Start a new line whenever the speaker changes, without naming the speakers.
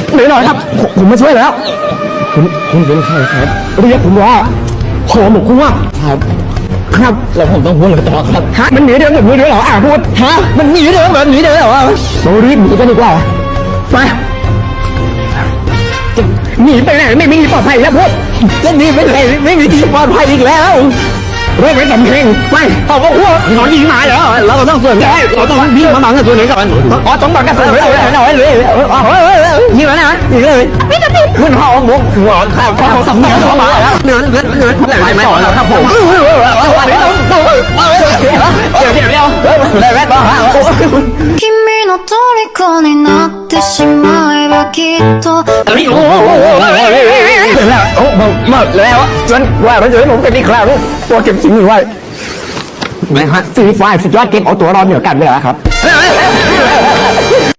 หน่อยครับผมมาช่วยแล้วคุณเป็นใครครับเรียกผมว่าหอหมกคุ้งครับครับแล้วผมต้องพูดอะไรต่อครับฮะมันหนีเดินแบบนี้ด้วยเหรอพูดฮะมันหนีเดินแบบนี้เลยเหรอเรารีบหนีกันดีกว่าไปหนีไปไหนไม่มีที่ปลอดภัยแล้วพูดจะหนีไปไหนไม่มีที่ปลอดภัยอีกแล้วเริ่มเป็นสำเพ็งไปเขาบอกว่าหนอนยิงมาเหรอเราต้องส่วนใช่เราต้องวิ่งมาบังกับตัวนี้ก่อนอ๋อต้องบังกับตัวนี้เลยยิงแล้วนะยิงเลยมันห่อหมกหัวข้าวเขาสำเพ็งเข้ามาแล้วเนื้อไหลไม่ต่อแล้วครับผมเดี๋ยวเลยแม่ต่อฮะ
君の虜になってしまえばきっと
โอ้แล้วโอ้มาแล้วจนว่าเราจะให้ผมเป็นอีกคราวตัวเก็บสิ่งนี้ไว้นะฮะซีไฟสุดยอดเก็บเอาตัวรอดเหนือกันเลยครับ